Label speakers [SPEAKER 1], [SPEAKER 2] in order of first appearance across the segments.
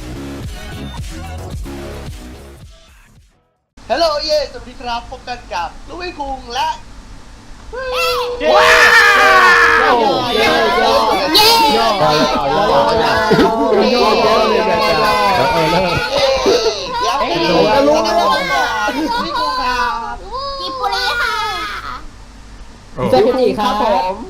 [SPEAKER 1] ฮัลโหลเย่สวัสดีครับพบกันกับลุยคุงและ
[SPEAKER 2] ว้าว
[SPEAKER 3] กิปุรีค่ะ
[SPEAKER 2] สวัสดีครับผม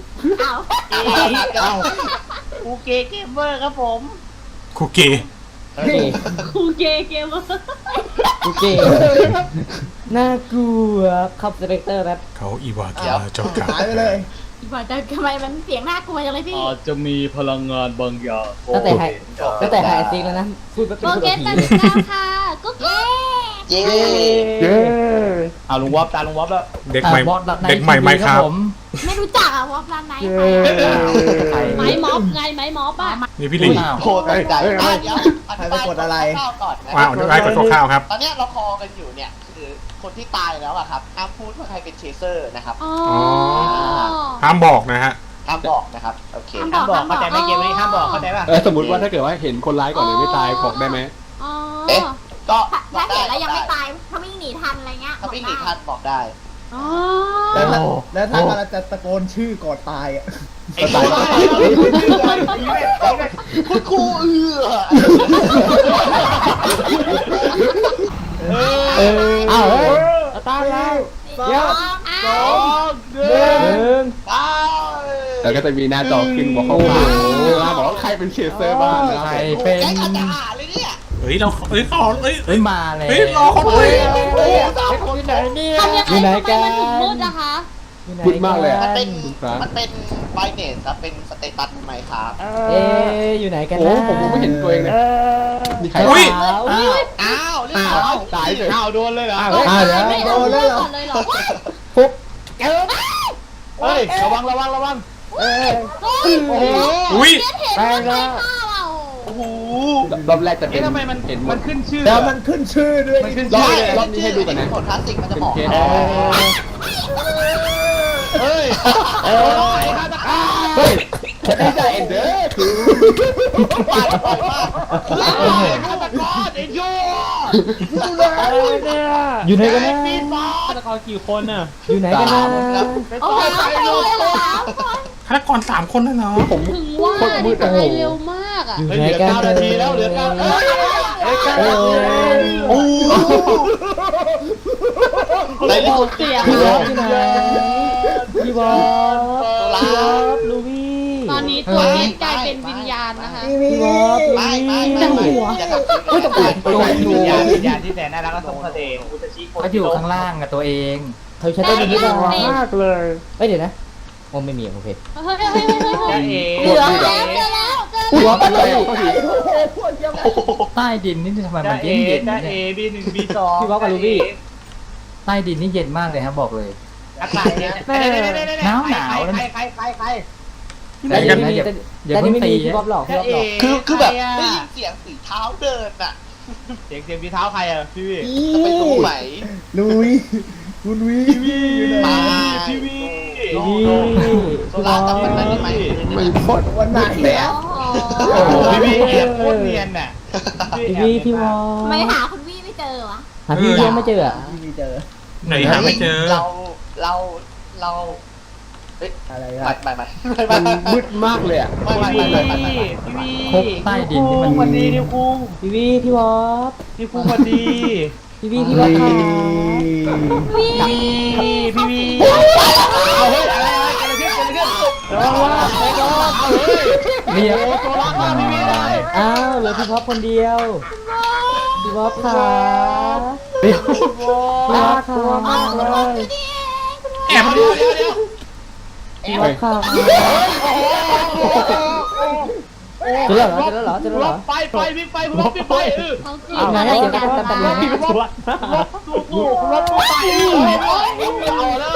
[SPEAKER 4] คูเกเกมเมอร์ครับผม
[SPEAKER 5] คูเก
[SPEAKER 3] คูเกเกม
[SPEAKER 2] โอเคน่ากลัวครับดีเรคเตอร์ครับ
[SPEAKER 5] เขาอีวากิอาจอกกา
[SPEAKER 6] หายไปเลย
[SPEAKER 3] บอกแต่ทำไมมันเสียงน่ากลัวจังเลยพี่
[SPEAKER 4] อาจจะมีพลังงานบางอย่าง
[SPEAKER 2] ตั้งแต่หายซิงแล้วนะพูดแบบเป็น
[SPEAKER 3] โอ
[SPEAKER 2] คน
[SPEAKER 3] เค
[SPEAKER 2] ผี
[SPEAKER 3] ตัดแล้วค่ะกุ๊กเก้
[SPEAKER 1] เย่
[SPEAKER 4] เอาลุงวอฟตาลุงวอฟแล้ว
[SPEAKER 5] เด็กใหม่เด็กใหม่ไหมครับ
[SPEAKER 3] ไม่รู้จักอะวอฟร้านไหนไม้ม็อบไงไม้ม็อบอะ
[SPEAKER 5] นี่พี่ลิง
[SPEAKER 1] โคตรตั้งใจเดี๋ยวอธิบายคร่าวๆก่อนนะ
[SPEAKER 5] ว้าวได้กดข้าวครับ
[SPEAKER 1] ตอนนี้เราคอกันอยู่เนี่ยคือคนที่ตายแล้วอะครับห้ามพูดว่าใครเป็นเชเซอร์นะครับ
[SPEAKER 3] อ๋อ
[SPEAKER 5] ห้ามบอกนะฮะ
[SPEAKER 1] ห้ามบอกนะครับโอเค
[SPEAKER 4] ห้ามบอกเข้าใจไหมเกมนี้ห้ามบอกเข้าใจป่ะ
[SPEAKER 6] สมมติว่าถ้าเกิดว่าเห็นคนร้ายก่อนเลยไม่ตายบอกได้ไหม
[SPEAKER 3] อ๋อ
[SPEAKER 1] ก็
[SPEAKER 3] ถ้าเห็นแล้วยังไม่ตายถ้าวิ่งหนีทันอะไรเงี้ย
[SPEAKER 1] ถ้าไม่หนีทันบอกได้
[SPEAKER 3] อ๋อ
[SPEAKER 6] แล้วถ้ากำลังจะตะโกนชื่อก่อนตายอ่ะ
[SPEAKER 1] ตายคุณครู
[SPEAKER 2] อ้าวเฮ้ยตายแล้ว
[SPEAKER 3] เดี๋ยว
[SPEAKER 1] ตาย
[SPEAKER 6] แล้วก็จะมีหน้าจอขึ้นบอกเขาบอกว่าใครเป็นเชสเซอร์บ้างนะ
[SPEAKER 2] ใครเป็น
[SPEAKER 1] แกอาจจะหาเลยเนี่ย
[SPEAKER 5] เฮ้ยเราเฮ้ยเขาเฮ้ย
[SPEAKER 2] เฮ้ยมาแล้ว
[SPEAKER 5] เฮ้ยรอคนด้วย
[SPEAKER 2] อยู่ไหนเนี่ย
[SPEAKER 3] ทำยัง
[SPEAKER 2] อยู่ไหน
[SPEAKER 3] ไง
[SPEAKER 2] กัน
[SPEAKER 3] มันถึงมืดนะคะ
[SPEAKER 6] พูดมากเลย
[SPEAKER 1] มันเป็น
[SPEAKER 6] ครับ
[SPEAKER 1] มันเป็นไบเนสครับเป็นสเตตัสใหม่ครับ
[SPEAKER 2] เอ๊อยู่ไหนกัน
[SPEAKER 6] โอ้
[SPEAKER 2] นะ
[SPEAKER 6] ผมไม่เห็นตัวเองเลยมีใคร
[SPEAKER 5] อุ้ย
[SPEAKER 1] อ้าวเรียบร้อย
[SPEAKER 6] ตายเลย
[SPEAKER 4] อ้าวโดนเลยเหรอ
[SPEAKER 2] เดี๋ยว
[SPEAKER 3] ไม่เอาเลือดก่อนเลยเหรอ
[SPEAKER 2] ปุ๊บ
[SPEAKER 4] เฮ้ยระวัง
[SPEAKER 3] โอ้โห
[SPEAKER 5] อุ้ย
[SPEAKER 3] เห็นมันไม่ฆ่าเรา
[SPEAKER 1] โอ้โห
[SPEAKER 6] รอบแรกจะเป็น
[SPEAKER 4] ทำไมมัน
[SPEAKER 6] เห็นหม
[SPEAKER 4] มั
[SPEAKER 6] ด
[SPEAKER 4] นขึ้นชื่อ
[SPEAKER 6] แล้วมันขึ้นชื่อด้วย
[SPEAKER 4] มันขึ้น
[SPEAKER 6] ร
[SPEAKER 4] ชื่
[SPEAKER 6] อบ
[SPEAKER 4] อ
[SPEAKER 6] นี้ให้ดูกันนะ
[SPEAKER 1] ผลคลาสสิกมันจะบอก
[SPEAKER 6] เป็นเคส
[SPEAKER 4] เฮ้ย
[SPEAKER 6] เฮ้ยไม่ใช่เอ็นเดอร์คือ
[SPEAKER 1] ปาดปล่อยมาก
[SPEAKER 4] ฆาตกรไอ้โย่
[SPEAKER 2] อยู่ไหนกันนะ
[SPEAKER 4] ฆาตกรกี่คนน่ะ
[SPEAKER 2] อยู่ไหนกันนะ
[SPEAKER 3] โอ้โหเลยเหรอ
[SPEAKER 5] ฆาตกร3 คนแล้วเนาะ
[SPEAKER 6] ผม
[SPEAKER 3] ถึงว่านี่ตายเร็วมากอ่ะ
[SPEAKER 2] อยู่
[SPEAKER 4] เฮ้ย
[SPEAKER 2] ไหน
[SPEAKER 4] เหลือ
[SPEAKER 2] กัน
[SPEAKER 4] 9 นาทีแล้วเหลือ9
[SPEAKER 1] โอ้ไหนเรื่อง
[SPEAKER 3] เสียง
[SPEAKER 2] พี่บอสอยู่ไหนพี่บอสพี่บอสลูบี้
[SPEAKER 3] ตอนนี้ตัวนี้กลายเป็นวิญญาณนะคะ
[SPEAKER 2] พี่บอสลู
[SPEAKER 1] ไม่
[SPEAKER 2] บี้
[SPEAKER 1] อย่าทำสิ่งนั้น
[SPEAKER 4] วิญญาณที่แสนน่ารักและทรงเสน่ห์อุตชิโค
[SPEAKER 7] เขาอยู่ข้างล่างกับตัวเอง
[SPEAKER 2] เขาใช้ได้ดีหรือเปล่ามากเลยเฮ้ยเดี๋ยวนะโอ้ไม่มีโอเค
[SPEAKER 3] เฮ้ยเหลือแล้ว
[SPEAKER 2] พี่บอสไปเลย
[SPEAKER 7] ใต้ดินนี่ทำไมมันเย็นเย็น
[SPEAKER 4] ได้
[SPEAKER 7] เนี่ย
[SPEAKER 4] B1 B2
[SPEAKER 2] พี่บอสกับลูบี้
[SPEAKER 7] ใต้ดินนี่เย็นมากเลยครับบอกเลย
[SPEAKER 4] อากาศเนี่ยใคร
[SPEAKER 2] แต่ยังไม่มีแต่ยังไม่มีพี่บอสหลอกพี่บอสหลอก
[SPEAKER 1] คือแบบได้ยินเสียงฝีเท้าเดินอ่ะ
[SPEAKER 4] เสียงพี่เท้าใครอ่ะพี่วิ
[SPEAKER 1] จะไปรู้ไหม
[SPEAKER 6] ลุยคุณวีอยู่ไหน
[SPEAKER 1] มา
[SPEAKER 4] พี่วิ
[SPEAKER 1] โซล่าจำมันได้ไหม
[SPEAKER 6] ไม่พดวันไหนแล้ว
[SPEAKER 4] พี่วิแอบโคตรเนียนน่ะ
[SPEAKER 2] พี่บอส
[SPEAKER 3] ไม่หาคุณวี่ไม่เจอวะ
[SPEAKER 2] หาพี่ยังไม่เจออ่ะ
[SPEAKER 6] ที่เจอ
[SPEAKER 5] ไหนหาไม่เจอ
[SPEAKER 1] เราเฮ้ย
[SPEAKER 6] อะไรค
[SPEAKER 1] ไม่
[SPEAKER 6] รับ
[SPEAKER 1] ไม่ไม่
[SPEAKER 6] มันมืดมากเลยอ่ะ
[SPEAKER 4] พี่วิ
[SPEAKER 7] พบใต้ดินนี่มัน
[SPEAKER 4] วันดีนิวคุง
[SPEAKER 2] พี่บอส
[SPEAKER 4] นิวคุงวันดี
[SPEAKER 2] พี่บอสค่ะ
[SPEAKER 4] พี่วิเอาเฮ้ยอะไรระวังว่าไปก่อนเอาเฮ้ย
[SPEAKER 7] เรียก
[SPEAKER 4] ตัวรักมากพี่วิเลย
[SPEAKER 2] อ้าวเหลือพี่บอสคนเดียวพี่บอสค่ะพี่บอสค่ะ
[SPEAKER 5] แอบ
[SPEAKER 4] เดี๋ยว
[SPEAKER 2] พี่บอสค่ะเจอแล้วเหรอ
[SPEAKER 4] ไปพี่ไปคุณรถพี่ไปเออ
[SPEAKER 3] เขาจี
[SPEAKER 2] เอาไงเดี๋ยวกันแป๊บนึง
[SPEAKER 4] พี่รถรถไปเอาแล้ว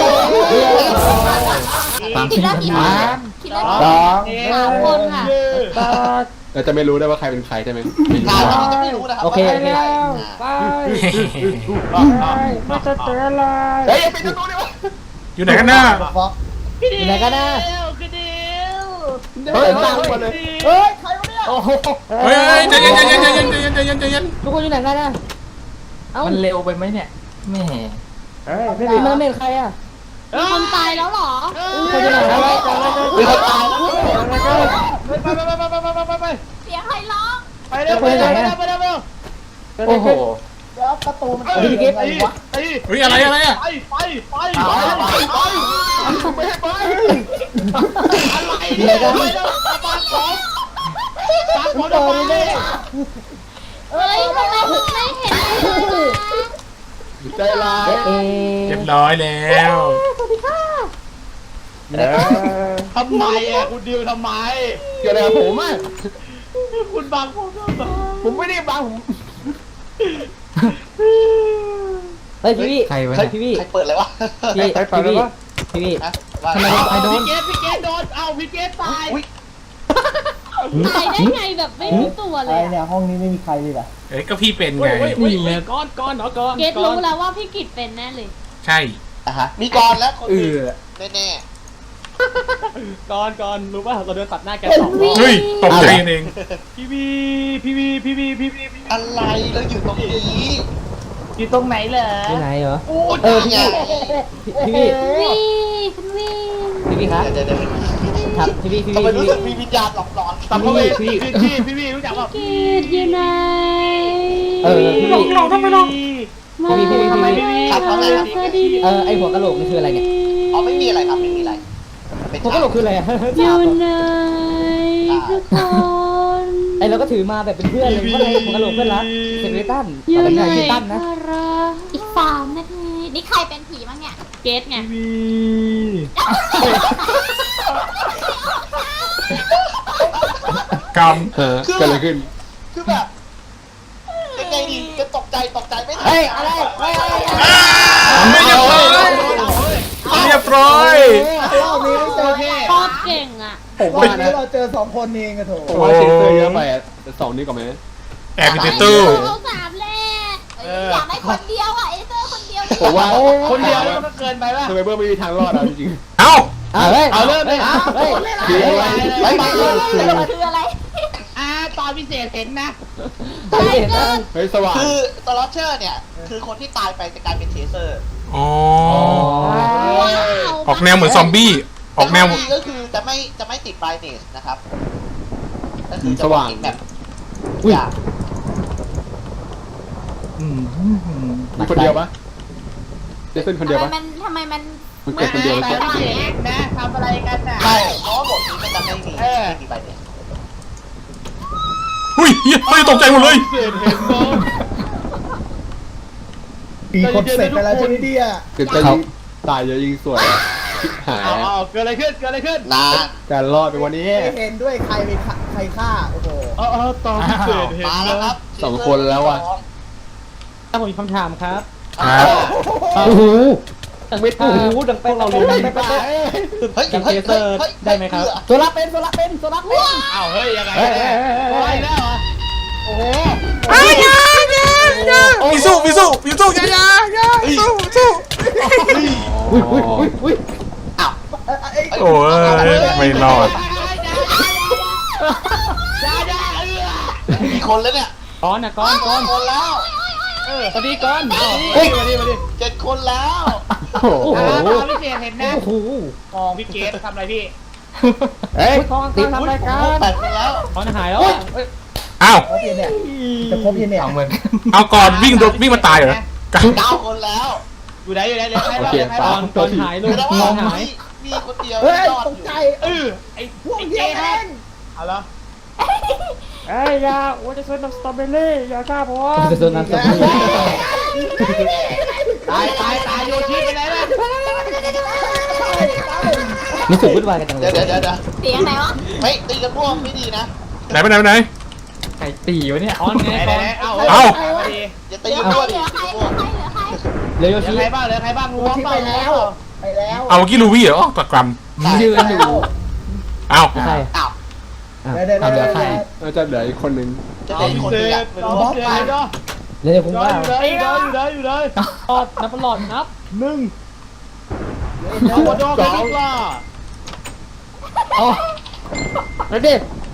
[SPEAKER 3] คิดแล้วกี่คนคิดแล้ว 3 คนค่ะ
[SPEAKER 6] เราจะไม่รู้ได้ว่าใครเป็นใครใช่ไหมไม่รู้
[SPEAKER 1] เราจะไม่รู้นะครับ
[SPEAKER 2] โอเค
[SPEAKER 6] ไม่จะเจออะไรเฮ้ยไปดูดิวะ
[SPEAKER 5] อยู่ไหนกันน่ะ
[SPEAKER 2] อยู่ไหนกันนะ
[SPEAKER 3] คือเดียว
[SPEAKER 6] เฮ้ยตามมาเลย
[SPEAKER 2] เฮ้ยใครวะเนี่ย
[SPEAKER 4] โอ้โห
[SPEAKER 5] เฮ้ยใจเย็นใจเย็นใจเย็นใจเย็นใจเย็นใจเย็น
[SPEAKER 2] ทุกคนอยู่ไหนกันอ่ะเอ้า
[SPEAKER 7] มันเร็วไปไหมเนี่ยแหม่
[SPEAKER 2] เฮ้ยไม่ได้เมนใครอ่ะ
[SPEAKER 3] มีคนตายแล้วเหรอ
[SPEAKER 2] ใครอยู่ไหนแล้ว
[SPEAKER 1] มีคนตายแล้ว
[SPEAKER 4] ไป
[SPEAKER 3] เสียงใครร้อง
[SPEAKER 4] ไปเร็วไปเร็วไปเร็วไปเร็ว
[SPEAKER 7] โอ้โห
[SPEAKER 1] แล้วประตูมัน
[SPEAKER 4] ตีตีตี
[SPEAKER 5] เฮ้ยอะไรอะไรอ่ะ
[SPEAKER 4] ไปไปไปไปไปไม่ให้ไปอะไรเนี่ยตาบานของตาบอดไปเลย
[SPEAKER 3] เฮ้ยทำไมคุณไม่เห็นเลย
[SPEAKER 6] ใจร้าย
[SPEAKER 5] เรียบร้อยแล้ว
[SPEAKER 4] ทำไมอ่ะคุณดิวทำไม
[SPEAKER 6] เกี่ยวอะไรกับผมอ่ะ
[SPEAKER 4] คุณบังผมทำไม
[SPEAKER 6] ผมไม่ได้บังผม
[SPEAKER 2] เฮ้ยพี่
[SPEAKER 7] ใครวะ
[SPEAKER 2] พี่
[SPEAKER 7] เนี่ย
[SPEAKER 2] พี่
[SPEAKER 1] ใครเปิดเลยวะ
[SPEAKER 2] พี่พี่
[SPEAKER 1] ฮะว่า
[SPEAKER 2] ทำไมใครโดน
[SPEAKER 4] พี่เกดโดนเอาพี่เกดตาย
[SPEAKER 3] ตายได้ไงแบบไม่รู้ตัวเลยอะ
[SPEAKER 5] เอ้ยก็พี่เป็นไง
[SPEAKER 7] นี่ไง
[SPEAKER 4] ก้อนก้อนเนาะก้อน
[SPEAKER 3] เกตรู้แล้วว่าพี่กิตเป็นแน่เลย
[SPEAKER 5] ใช่
[SPEAKER 1] อ่ะฮะมีกรแล้วคนหนึงแน่
[SPEAKER 4] ก้อนก้อนรู้ป่ะเราเดินตัดหน้าแกสอง
[SPEAKER 5] เฮ้ยตกใจเอง
[SPEAKER 4] พี่วีพี่วีพี่วีพี่วี
[SPEAKER 1] ๆอะไรเราอยู่ตรงนี้
[SPEAKER 4] อยู่ตรงไหนเหรอ
[SPEAKER 2] ที่ไหนเหรอ
[SPEAKER 1] โอ้ย
[SPEAKER 2] พี่
[SPEAKER 1] ไง
[SPEAKER 2] พี่
[SPEAKER 3] วิ่งคุณวิ่ง
[SPEAKER 2] พี่ครับ
[SPEAKER 1] เดี๋ยว
[SPEAKER 2] ครับพี่พี่
[SPEAKER 1] ทำไมรู้
[SPEAKER 2] พี่
[SPEAKER 1] สึกมีวิญญาณหลอนๆ
[SPEAKER 4] สัมภเวสีพี่วีรู้จักป่ะ
[SPEAKER 3] กิตอยู่ไหน
[SPEAKER 2] พี่
[SPEAKER 5] หลอกทำไมหลอก
[SPEAKER 3] มา
[SPEAKER 2] พี่
[SPEAKER 3] ทำไม
[SPEAKER 1] ครับว่าไงครับ
[SPEAKER 3] สวัสดี
[SPEAKER 2] ไอหัวกะโหลกนี่คืออะไรเนี่ย
[SPEAKER 1] อ๋อไม่มีอะไรครับไม่มีอะไรเป็น
[SPEAKER 2] หัวกะโหลกคืออะไรอ่ะ
[SPEAKER 3] อยู่ไหนทุกคน
[SPEAKER 2] ไอเราก็ถือมาแบบเป็นเพื่อนเลยเพราะอะไรหัวกะโหลกเพื่อนรักเซเรตัน
[SPEAKER 3] อยู่
[SPEAKER 2] เป็น
[SPEAKER 3] ไหน
[SPEAKER 2] ไงเซเรตันนะ
[SPEAKER 3] อีก3 นาทีนี่ใครเป็นผีบ้างเนี่ยเกตไง
[SPEAKER 5] กรรม
[SPEAKER 6] เกิดอะไรขึ้น
[SPEAKER 1] คือแบบยังไงดีจะตกใจไม่ทัน
[SPEAKER 2] เฮ้ยอะไรเฮ้ย
[SPEAKER 5] ไม่เรียบร้อยเรียบร้อย
[SPEAKER 2] รอบนี้ไม่เจอ
[SPEAKER 4] โอเค
[SPEAKER 3] โคตรเก่งอ่ะ
[SPEAKER 6] ผมว่านะ
[SPEAKER 2] เราเจอ2 คนเองอะโถ
[SPEAKER 6] ผมว่าเซนเซอร์เยอะไปอ่ะแต่สองนี้ก่อนไหม
[SPEAKER 5] แอบอยู่ในตู้
[SPEAKER 3] เอา3แรกอยากได้คนเดียวอ่ะเอเซอร์คนเดียว
[SPEAKER 6] ผมว่า
[SPEAKER 4] คนเดียวมันก็เกินไปป่ะ
[SPEAKER 6] ทำไมเบอร์ไม่มีทางรอดอ่ะจริง
[SPEAKER 5] เอ้า
[SPEAKER 2] เฮ้ย
[SPEAKER 4] เอาเริ่มเลย
[SPEAKER 2] เฮ้ย
[SPEAKER 6] ๆคืออะไร
[SPEAKER 1] ไม่มาเลย
[SPEAKER 3] คืออะไร
[SPEAKER 4] ตอนพิเศษเห็นนะ
[SPEAKER 6] เฮ้ยสว่าง
[SPEAKER 1] คือสล็อตเชอร์เนี่ยคือคนที่ตายไปจะกลายเป็นเทเซอร์
[SPEAKER 5] อ๋อ
[SPEAKER 3] ว้าว
[SPEAKER 5] ออกแนวเหมือนซอมบี้ออกแนว
[SPEAKER 1] แต่ข้ดีก็คือจะไม่ติดไบรเนสนะครับก็คือจะมองเห็นแบบอย่าง
[SPEAKER 6] มีคนเดียวปะเจสันคนเดียวปะ
[SPEAKER 3] ทำไมมัน
[SPEAKER 6] มันเกิดคนเดียวหรือเปล่า
[SPEAKER 4] พิเศษเห็นนะทำอะไรกันน่ะ
[SPEAKER 1] ใช่เพราะว่าบทนี้มันจะไม่มีไบรเนส
[SPEAKER 5] หุ้ยเฮ้ยตกใจหมดเลย
[SPEAKER 4] พิเศษเห็นเนาะ
[SPEAKER 8] มีคนเสร็จไปแล้วใช่ไหมเนี่ย
[SPEAKER 6] เกิดจะยิงตายเยอะยิงสวยชิบหาย
[SPEAKER 4] เอาเกิดอะไรขึ้นเกิดอะไรขึ้น
[SPEAKER 1] นะ
[SPEAKER 6] การรอดไปวันนี้
[SPEAKER 8] ไม่เห็นด้วยใครไปใครฆ่า โอ้โห
[SPEAKER 4] ตอนพิเศษเห็น
[SPEAKER 1] มาแล้วครับ
[SPEAKER 6] สองคนแล้วว่ะ
[SPEAKER 2] ถ้าผมมีคำถามครับ
[SPEAKER 5] ครับ
[SPEAKER 2] โอ้โหไม่ถูกดังไปเรารู้ไป
[SPEAKER 1] เฮ้ย
[SPEAKER 2] กับเทเซอร์ได้ไหมครับโซล่าเป็น
[SPEAKER 4] อ้าวเฮ้ยยังไงไปแล้วเหรอโอ้โห
[SPEAKER 5] มีสู้อย่าสู้
[SPEAKER 1] อ้าว
[SPEAKER 5] โอ้ยไม่รอด
[SPEAKER 1] กี่คนแล้วเนี่ย
[SPEAKER 2] ก้อนนะก้อน
[SPEAKER 1] คนแล้ว
[SPEAKER 2] สวัสดีก้อน
[SPEAKER 4] มาดิ
[SPEAKER 1] 7 คนแล้ว
[SPEAKER 6] โอ้โห
[SPEAKER 4] ตอนพิเศษเห็นนะ
[SPEAKER 2] โอ้โห
[SPEAKER 4] มองพี่เกดทำอะไรพี่
[SPEAKER 6] เฮ้ย
[SPEAKER 2] ก้อนทำอะไรกัน
[SPEAKER 1] 8 คนแล้ว
[SPEAKER 2] ก้อนหายแล้ว
[SPEAKER 5] อ้าว
[SPEAKER 8] ครบยังเนี่ยจะครบยังเนี่ย
[SPEAKER 7] เอาเหมือน
[SPEAKER 5] เอาก่อนวิ่งมาตายเหรอ
[SPEAKER 1] 9 คนแล้ว
[SPEAKER 4] อยู่ไหนเหลือใคร
[SPEAKER 6] โอ
[SPEAKER 4] บ้าง
[SPEAKER 6] เค
[SPEAKER 4] เหลือใคร
[SPEAKER 6] ปา
[SPEAKER 4] บ้าง
[SPEAKER 2] ก้อนหายลูก
[SPEAKER 1] แต่
[SPEAKER 2] ก้
[SPEAKER 1] ว่า
[SPEAKER 2] อนหาย
[SPEAKER 1] มีคนเดียว
[SPEAKER 8] เฮ้ย
[SPEAKER 1] รอด
[SPEAKER 8] ต
[SPEAKER 1] อก ยู่
[SPEAKER 8] ใจ
[SPEAKER 4] ไอ้
[SPEAKER 8] พวกเดียวเอง
[SPEAKER 4] เอาละ
[SPEAKER 2] เอ้ยยาว่าจะซื้อน้ำสตรอเบอรี่ยาฆ่าผมจะซื้อน้ำสตรอเบอรี่
[SPEAKER 4] ตายโยชิไปไหนล่ะ
[SPEAKER 2] รู้สึกวุ่นวายกันจังเล
[SPEAKER 1] เดี๋ย
[SPEAKER 2] ยว
[SPEAKER 3] เสียงไหนวะ
[SPEAKER 1] ไม่ตีกันม่วงไม่ดีนะ
[SPEAKER 5] ไหนไปไหน
[SPEAKER 7] ไก่ตีวะเนี่ย
[SPEAKER 2] ก้อนไง
[SPEAKER 4] ไหน
[SPEAKER 2] ก้อน
[SPEAKER 4] เอามาดี
[SPEAKER 1] อย่าตีกัน
[SPEAKER 3] เหลื
[SPEAKER 1] ม่ว
[SPEAKER 3] อง ใคร
[SPEAKER 1] ดิ
[SPEAKER 3] เหลือใคร
[SPEAKER 2] เร็ว
[SPEAKER 4] เหลื
[SPEAKER 2] ชี้
[SPEAKER 4] อใครบ้างเหลือใครบ้างรู้
[SPEAKER 8] ที่ไปแล้ว ไปแล้ว
[SPEAKER 5] เอาเมื่อกี้ลูวี่เหรอตะกรำ
[SPEAKER 2] ยืนอยู่
[SPEAKER 5] เอา
[SPEAKER 2] ใคร
[SPEAKER 1] อ้าว
[SPEAKER 8] เดี๋ยว
[SPEAKER 2] เอาเหลือใคร
[SPEAKER 6] น่าจะเหลืออีกคนนึง
[SPEAKER 1] จะเหลืออีกคนเดียว
[SPEAKER 2] เดี๋ยวผมว่า
[SPEAKER 4] อยู่เลย
[SPEAKER 2] หลอดนับหลอดนับ
[SPEAKER 4] เอาโดนกันดีกว่า
[SPEAKER 2] เอาแล้วดิ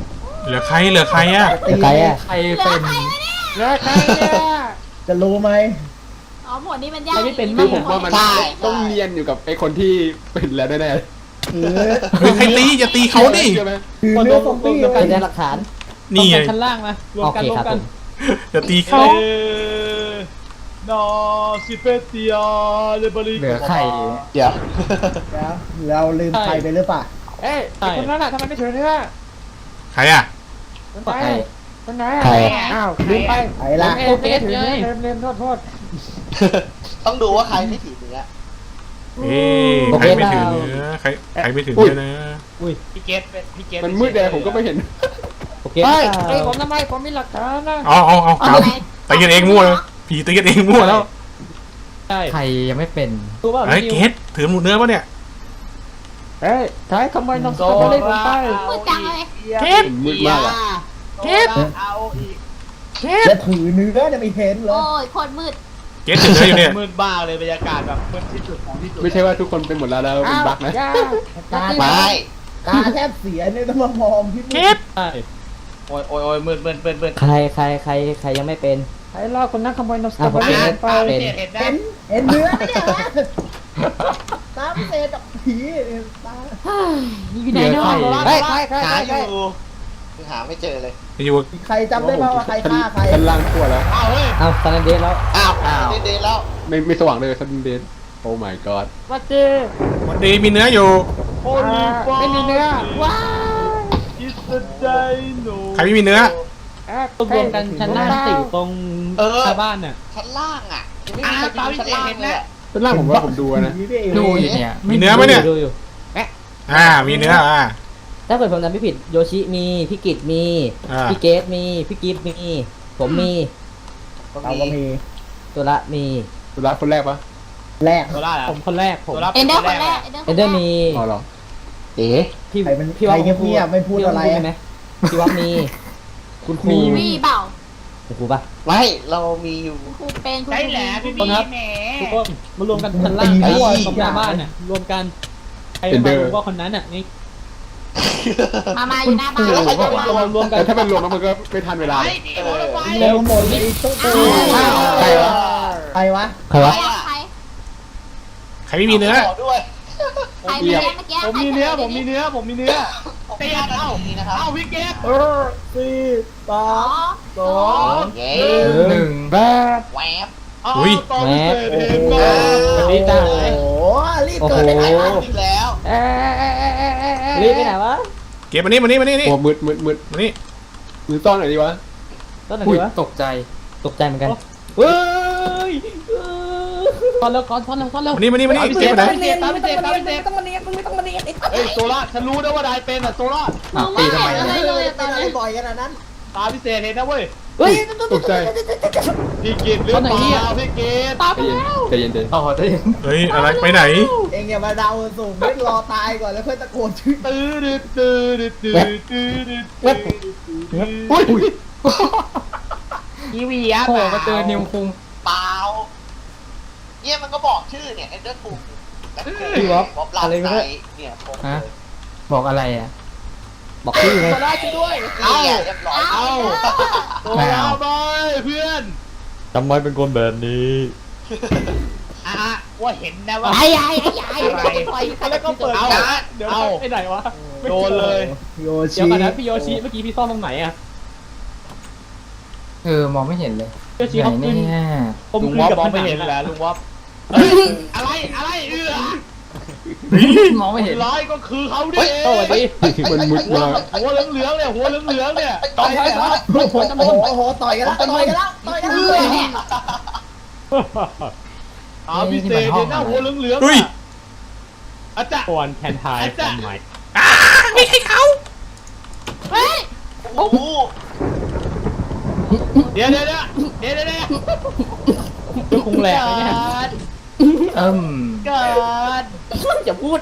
[SPEAKER 5] เหลือใครอ่ะ
[SPEAKER 2] ใครอ่ะ
[SPEAKER 7] ใครเป็น
[SPEAKER 8] แล้วใครเนี่ยจะรู้ไหม
[SPEAKER 3] อ๋อหมวดนี้มันยาก
[SPEAKER 6] คือผมว่ามันต้องเนียนอยู่กับไอ้คนที่เป็นแล้วแน่
[SPEAKER 8] หรือ
[SPEAKER 5] เฮ้ยใครตีอย่าตี
[SPEAKER 6] ๆ
[SPEAKER 5] เขาดิ
[SPEAKER 6] ใช่ไหม
[SPEAKER 8] หรือเนื้อซอมบี้
[SPEAKER 2] เป็นหลักฐาน
[SPEAKER 5] นี่ไง
[SPEAKER 7] ชั้นล่างมารวม
[SPEAKER 2] โอ
[SPEAKER 7] กัน
[SPEAKER 2] เค
[SPEAKER 7] รว
[SPEAKER 2] ค
[SPEAKER 7] ม
[SPEAKER 2] รับ
[SPEAKER 7] กั
[SPEAKER 2] ผ
[SPEAKER 7] น
[SPEAKER 2] ม
[SPEAKER 5] อย่าตีเขา
[SPEAKER 4] นอซิเปเตียเลบริ
[SPEAKER 7] เหลือใคร
[SPEAKER 1] เดี๋ยว
[SPEAKER 8] แล้วเราลืมใครไปหรือเปล่า
[SPEAKER 4] เอ้ยคนนั้นอะทำไมไม่ถือเนื้อ
[SPEAKER 5] ใครอ่ะ
[SPEAKER 7] ใคร
[SPEAKER 4] คนไหน
[SPEAKER 2] ใคร
[SPEAKER 4] อ้าวลืมไป
[SPEAKER 8] ไปละ
[SPEAKER 4] โอเคถือเนื้อเล่นโทษ
[SPEAKER 1] ต้องดูว่าใครไม่ถือเนื้อ
[SPEAKER 5] เอ๊ะใครไม่ถือเนื้อใครไม่ถือเนื้อนะ
[SPEAKER 4] พี่เกตเป็นพี่เกต
[SPEAKER 6] มันมืดแดงผมก็ไม่เห็น
[SPEAKER 2] โอเค
[SPEAKER 4] เฮ้ยเฮ้ยผมทำไมผมมีหลักฐานนะ
[SPEAKER 5] เอากลับตีกันเองมั่วแล้วผีตีกันเองมั่วแล้ว
[SPEAKER 7] ใครยังไม่เป็น
[SPEAKER 5] เฮ้ยเกตถือหมูเนื้อปะเนี่ย
[SPEAKER 4] เฮ้ยใช้ขโมยน้องสาวเล่นผมไป
[SPEAKER 3] มืดจังเลย
[SPEAKER 5] เกต
[SPEAKER 6] มืดมากอะ
[SPEAKER 1] เกตเอาอีก
[SPEAKER 8] จะถือเนื้อจะไม่เห็นเหรอ
[SPEAKER 3] โอ้ยโคตรมืด
[SPEAKER 5] เกตถือเนื้ออยู่เนี่ย
[SPEAKER 4] มืดบ้าเลยบรรยากาศแบบมืดที่สุดของที่สุด
[SPEAKER 6] ไม่ใช่ว่าทุกคนเป็นหมดแล้วเป็นบั๊กนะ
[SPEAKER 8] ตา
[SPEAKER 1] ไม่
[SPEAKER 8] ตาแทบเสียเนี่ยต้องมามองที่
[SPEAKER 5] เกต
[SPEAKER 4] โอ้ยมืด
[SPEAKER 2] ใครยังไม่เป็น
[SPEAKER 4] ไอ้ล่าคนนั้นขโมยน้องสา
[SPEAKER 2] อ่ะ
[SPEAKER 4] ว
[SPEAKER 2] ผมเป็น
[SPEAKER 4] เล่นไป
[SPEAKER 2] เป็น
[SPEAKER 8] เห็นเนื้อไหมเนี่ยวะตาพิเศษกับผีตา
[SPEAKER 3] อยู่ไหนเนาะ
[SPEAKER 4] เฮ้ยใคร
[SPEAKER 1] หาอยู่คือหาไม่เจอเลย
[SPEAKER 5] อยู่
[SPEAKER 8] ใครจำได้ไหมว่าใครฆ่าใคร
[SPEAKER 6] ชั้นล่างทั่วแล้ว
[SPEAKER 4] อ้าวเฮ้ย
[SPEAKER 2] เอาตอนนั้นเดทแล้ว
[SPEAKER 1] อ้าวเดนแล้ว
[SPEAKER 6] ไม่สว่างเลยชั้นเดนโอ้ my god
[SPEAKER 4] วัดเจ
[SPEAKER 5] วันดีมีเนื้ออยู่
[SPEAKER 4] โอ้ยไม่มีเนื้อว้าวอิสไดโน
[SPEAKER 5] ใครไม่มีเนื้อ
[SPEAKER 7] รวมกันชั้นล่างสี่ตรงชาวบ้านน่ะ
[SPEAKER 1] ชั้นล่างอ่ะยังไม่มีใครดูชั้นล่างเลยอะ
[SPEAKER 6] ชั้นล่างผมว่าผมดูนะ
[SPEAKER 7] ดูอยู่เนี่ย
[SPEAKER 5] มีเนื้อไหมเนี่ย
[SPEAKER 2] ดูอยู่
[SPEAKER 5] มีเนื้อ
[SPEAKER 2] ถ้าเกิดผมจำไม่ผิดโยชิมีพี่กิตมี
[SPEAKER 5] อ่า
[SPEAKER 2] พี่เกตมีพี่กิฟมี ผมมี
[SPEAKER 8] เราก็มี
[SPEAKER 2] ตัวละมี
[SPEAKER 6] สุดท้ายคนแรกปะ
[SPEAKER 8] แรก
[SPEAKER 4] ตัวล่า
[SPEAKER 7] ผมคนแรกผม
[SPEAKER 3] เอนเดอร์คนแรก
[SPEAKER 2] เอนเดอร์มี
[SPEAKER 6] อ๋อเหรอ
[SPEAKER 1] เอ๋
[SPEAKER 2] พี่
[SPEAKER 8] ใครเป็น
[SPEAKER 2] พี่
[SPEAKER 8] ใคร
[SPEAKER 2] ว่า
[SPEAKER 8] เงียบๆไม่พูดอะไร
[SPEAKER 2] พี่ว่าไหมพี่ว่ามีคุณครู
[SPEAKER 3] มีเปล่า
[SPEAKER 2] คุณครูปะ
[SPEAKER 1] ไม่เรามีอยู่
[SPEAKER 3] ครูเป็นครู
[SPEAKER 4] ใช่แหละพี่
[SPEAKER 7] คนครับ
[SPEAKER 4] แหม
[SPEAKER 7] ทุกคนมารวมกันชั้นล่างตรงหน้าบ้านน่ะรวมกันใครมารู้ว่าคนนั้นน่ะนี่
[SPEAKER 3] มาอยู่หน้าบ้าน
[SPEAKER 7] รวมกัน
[SPEAKER 6] แต่ถ้าเป็นรวมแล้วมันก็ไม่ทันเวลา
[SPEAKER 4] ไอ้นี่โอ้ยไฟ
[SPEAKER 8] เร็วหมดเลยตุ๊กตุ๊กใครวะใครวะ
[SPEAKER 2] ใครวะ
[SPEAKER 3] ใคร
[SPEAKER 5] ใครไม่มีเนื้อ
[SPEAKER 1] ขอด้วย
[SPEAKER 3] ใครเมื่อกี้
[SPEAKER 4] ผมมีเนื้อผมมีเนื้อเตียนเอ้า
[SPEAKER 1] นะครับ
[SPEAKER 4] เอ้าพี่เกต
[SPEAKER 8] สี่สา
[SPEAKER 3] อ๋อ
[SPEAKER 8] มสอง
[SPEAKER 1] เย้
[SPEAKER 7] หนึ่ง
[SPEAKER 8] แปด
[SPEAKER 1] แหวบ
[SPEAKER 4] ตอนพิเศษเห็นก็
[SPEAKER 8] โอ้โหรีบเกิดได้ไงวะ
[SPEAKER 1] อีกแล้ว
[SPEAKER 2] รีบไปไหนวะ
[SPEAKER 5] เก็บมานี่
[SPEAKER 6] โอ้มืด
[SPEAKER 5] มานี่
[SPEAKER 6] มือซ่อนหน่อยดีวะ
[SPEAKER 2] ต้นไหน
[SPEAKER 7] อุ้ยว
[SPEAKER 2] ะ
[SPEAKER 7] ตกใจ
[SPEAKER 2] ตกใจเหมือนกันเฮ้ย
[SPEAKER 7] ตอนแล้วก่อนตอนแล้ว
[SPEAKER 5] มานี่เก็บมาไหน
[SPEAKER 4] ตามพิเศษเฮ้ยโซล่าฉันรู้นะว่าได้เป็นอ่ะโซล่า
[SPEAKER 3] มองไม่เห็นอะไรเลยตอนนี้
[SPEAKER 8] บ่อยขนาดนั้น
[SPEAKER 4] ตามพิเศษเห็นนะเว้ย
[SPEAKER 2] เฮ้ย
[SPEAKER 6] ตกใจ
[SPEAKER 4] พี่กิตหรือเปล่าพี่กิต
[SPEAKER 7] ตาไปแล้ว
[SPEAKER 6] ใจเย็น
[SPEAKER 7] ต่อได้
[SPEAKER 5] เฮ้ยอะไรไปไหน
[SPEAKER 8] เองอย่ามาเดาสูงไม่รอตายก่อนแล้วค่อยตะโกนชื่อ
[SPEAKER 6] อุ้ย
[SPEAKER 4] อีวีอ่ะ
[SPEAKER 7] โผล่มาเจอนิวคุง
[SPEAKER 1] เปล่าเนี่ยมันก็บอกชื่อเนี่ยเอ็นเดอร์คูล
[SPEAKER 2] พี่วอฟ
[SPEAKER 1] บ๊อบลา
[SPEAKER 2] อะไร
[SPEAKER 1] ไซ
[SPEAKER 2] ไม่รู้
[SPEAKER 1] เนี่ยผม
[SPEAKER 7] ฮะบอกอะไรอ่ะ
[SPEAKER 2] บอกชื่อไง
[SPEAKER 4] โซล่าช่วยด้วย
[SPEAKER 1] นี่ไงเรียบร้อย
[SPEAKER 3] เอา
[SPEAKER 4] โซล่าบอยเพื่อน
[SPEAKER 2] ทำไมเป็นคนแบบนี้
[SPEAKER 4] ว่าเห็นนะว่า
[SPEAKER 3] ไอ้
[SPEAKER 4] แล้วก็เปิด
[SPEAKER 1] เอา
[SPEAKER 7] เดี๋ยว
[SPEAKER 4] เอา
[SPEAKER 7] ไปไหนวะ
[SPEAKER 4] โดนเลย
[SPEAKER 8] โย
[SPEAKER 7] เดี๋
[SPEAKER 8] ชิ
[SPEAKER 7] ยวก่อนนะพี่โยชิเมื่อกี้พี่ซ่อนตรงไหนอ่ะมองไม่เห็นเลยโยชิเขาขึ้น
[SPEAKER 4] ลุงวอฟมองไม่เห็นแหละลุงวอฟอะไรเอื้อ
[SPEAKER 7] มองไม่เห็น
[SPEAKER 4] ร้ายก็คือเขาดิ
[SPEAKER 7] สวัสดี
[SPEAKER 6] มันมุดมา
[SPEAKER 4] หัวเหลืองๆเนี่ยหัวเหลืองๆเนี่ย
[SPEAKER 8] ต่อยกันแล้วโอ้โหต่อยกันแล้วต่อยกันแล้ว
[SPEAKER 3] เนี่ย
[SPEAKER 4] เอาพิเศษเนี่ยหน้าหัวเหลืองๆ
[SPEAKER 5] เฮ้ย
[SPEAKER 4] อาจารย์
[SPEAKER 7] ก่อนแคนทายทำไม
[SPEAKER 5] ไม่ใช่เขา
[SPEAKER 3] เฮ้ย
[SPEAKER 1] โอ้โห
[SPEAKER 4] เดี๋ยว
[SPEAKER 7] ก็คงแหลกเนี่ย
[SPEAKER 4] เกิด
[SPEAKER 2] อย่าพูด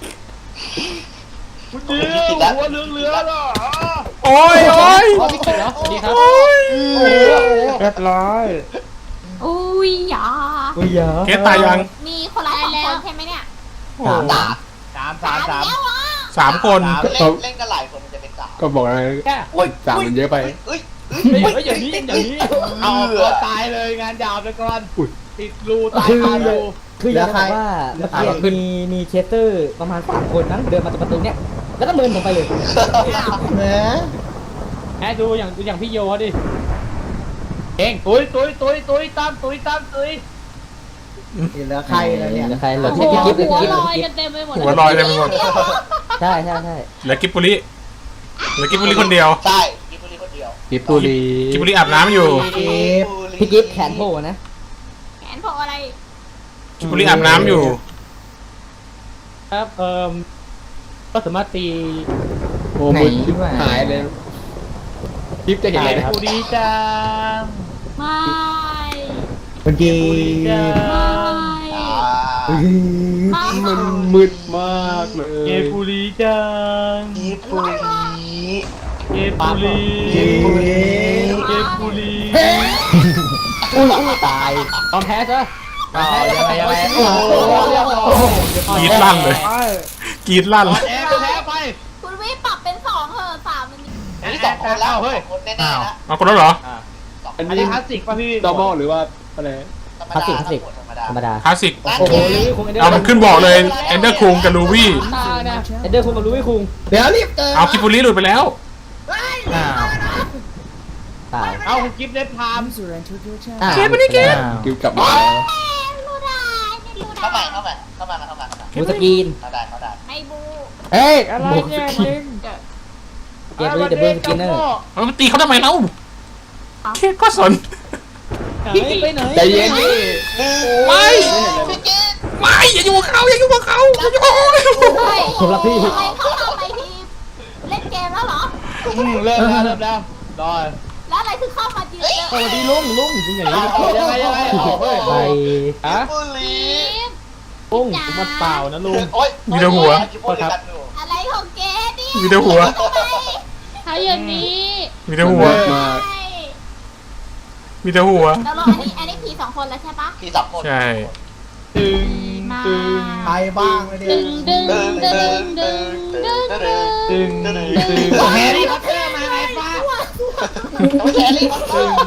[SPEAKER 4] คุณเดียวหัวเหลืองๆอ่ะ
[SPEAKER 5] โอ้ย
[SPEAKER 7] พี่กิตเหรอสวัสดีครับ
[SPEAKER 8] เรียบร้อย
[SPEAKER 3] อุ้ยอย่า
[SPEAKER 2] อุ้ยยา
[SPEAKER 5] เกตตายยัง
[SPEAKER 3] มีคนละ2 คนใช่ไหมเนี่ย
[SPEAKER 2] สาม
[SPEAKER 4] สาม
[SPEAKER 3] แล้วอ่ะ
[SPEAKER 5] 3 คน
[SPEAKER 1] เล่นกันหลายคนมันจะเป็น3
[SPEAKER 6] ก็บอกอะไร
[SPEAKER 7] แค่
[SPEAKER 6] สามมันเยอะไป
[SPEAKER 1] เอ้ย
[SPEAKER 7] อย่างนี้อย่างนี้
[SPEAKER 4] เอาตัวตายเลยงานยาวไปก่อนติดรูตายคารู
[SPEAKER 2] คืออยากจะบอกว่าเมื่อกี้มีเชสเตอร์ประมาณ3 คนนั้นเดินมาจากประตูเนี้ยแล้วก็เมินผมไปเลย
[SPEAKER 8] แหม
[SPEAKER 7] แค่ดูอย่างพี่โยดิ
[SPEAKER 4] เองตุยตามตุย
[SPEAKER 8] เหลือใครแล้วเนี่ย
[SPEAKER 2] ใครเหลือ
[SPEAKER 3] หั
[SPEAKER 2] พี่กิ๊บ
[SPEAKER 3] ว
[SPEAKER 2] กิ๊บ
[SPEAKER 3] ลอยกันเต็มไปหมด
[SPEAKER 5] หัวลอยเต็มไปหมด
[SPEAKER 2] ใช่
[SPEAKER 5] เหลือกิบบุรีคนเดียว
[SPEAKER 1] ใช่กิบบุรีคนเดียว
[SPEAKER 6] กิบปุรี
[SPEAKER 5] กิบบุรีอาบน้ำอยู่
[SPEAKER 2] พี่กิ๊บแขนโผล่นะ
[SPEAKER 3] แขนพออะไร
[SPEAKER 5] กิบบุรีอาบน้ำอยู่
[SPEAKER 7] ครับก็สามารถตี
[SPEAKER 6] โอ้มึนหายเลยคลิปจะเห็นเลยนะครับ
[SPEAKER 4] กูดีจัง
[SPEAKER 3] ไม่
[SPEAKER 8] เมื่อกี้
[SPEAKER 3] ไม่
[SPEAKER 6] มันมืดมากเลย
[SPEAKER 4] เกปุรีจัง
[SPEAKER 1] กิบบุรี
[SPEAKER 4] เกปุรี
[SPEAKER 1] เกบบุรี
[SPEAKER 4] เกปุรี
[SPEAKER 2] ตาย
[SPEAKER 7] ตอนแพ้ซะ
[SPEAKER 4] ยังไงโอ้โห
[SPEAKER 5] กรีดลั่นเลยกรีดลั่น
[SPEAKER 4] แพ้ไป
[SPEAKER 3] คุณวิปรับเป็น2เถอะ3มัน
[SPEAKER 1] อันนี้2 คนแล้ว2 คนแน่ๆนะ
[SPEAKER 5] เอาคนแล้วเหรอ
[SPEAKER 6] อัน
[SPEAKER 4] อัน
[SPEAKER 6] นี้
[SPEAKER 4] นี้คลาสสิกป่ะพี่
[SPEAKER 6] ดอมอลหรือว่าอะไร
[SPEAKER 2] คลาสสิกธรรมดา
[SPEAKER 5] คลาสสิก
[SPEAKER 2] โอ้โห
[SPEAKER 5] เอามันขึ้นบอกเลยเอนเดอร์คุงกับลูวี่
[SPEAKER 7] ตานะ
[SPEAKER 2] เอเดอร์คุงกับลุยคุง
[SPEAKER 8] เดี๋ยวรีบเกิน
[SPEAKER 5] เอากิบบุรีหลุดไปแล้ว
[SPEAKER 2] ตาย
[SPEAKER 4] เอาคุณกิฟต์เล็บพาม
[SPEAKER 2] เก็บไม่ได้เก็บ
[SPEAKER 6] กิบกลับมาแล้ว
[SPEAKER 3] รู้ได้ไม่รู้ได้
[SPEAKER 1] เข้ามา
[SPEAKER 2] บูสกีน
[SPEAKER 1] เข้าได้
[SPEAKER 3] ให้บู
[SPEAKER 2] เฮ้ย
[SPEAKER 4] อะไร
[SPEAKER 2] บูส
[SPEAKER 4] เนี่ย
[SPEAKER 2] กีนเก็บเลยเดบิวสกินเนอร์
[SPEAKER 5] เอามันตีเขาทำไมเล่าเคก็สน
[SPEAKER 7] ไปไหน
[SPEAKER 6] ใจเย็นดิ
[SPEAKER 5] ไม่ไม่อย่าอยู่กับเขาอย่าอยู่กับเขาอย่าอยู่กับเขา
[SPEAKER 3] เฮ้ย
[SPEAKER 2] ผมรับพี่
[SPEAKER 3] ทำไมเขาทำไมทีมเล่นเกมแล้วเหรอ
[SPEAKER 4] เริ่มแล้วรอ
[SPEAKER 3] แล้วอะไรคือเข้ามายืนเจอ
[SPEAKER 7] สวัสดีลุงจริงอย่างนี้
[SPEAKER 4] ยังไงเอาเฮ้ย
[SPEAKER 2] ไป
[SPEAKER 7] ฮะ
[SPEAKER 1] กิบบุรี
[SPEAKER 7] ลุงผมมาเปล่านะลุง
[SPEAKER 1] โอ๊ย
[SPEAKER 5] มีแต่หัว
[SPEAKER 1] กิบบุรีกันอยู่
[SPEAKER 3] อะไรของเกดนี่
[SPEAKER 5] มีแต่หัว
[SPEAKER 3] เขาอย่างนี้
[SPEAKER 5] มีแต่หัว
[SPEAKER 6] มาก
[SPEAKER 5] มีแต่หัว
[SPEAKER 3] แล้วเราอันนี้ผี2 คนแล้วใช่ปะ
[SPEAKER 1] พี่2 คน
[SPEAKER 5] ใช่
[SPEAKER 4] ตึง
[SPEAKER 8] ใครบ้างเลยเนี่ย
[SPEAKER 3] ดึงดึงดึงดึงดึงดึง
[SPEAKER 4] ตึงแฮร์รี่พอตเตอร์มาไงป้า
[SPEAKER 1] น้องแครี่มา
[SPEAKER 4] ตึง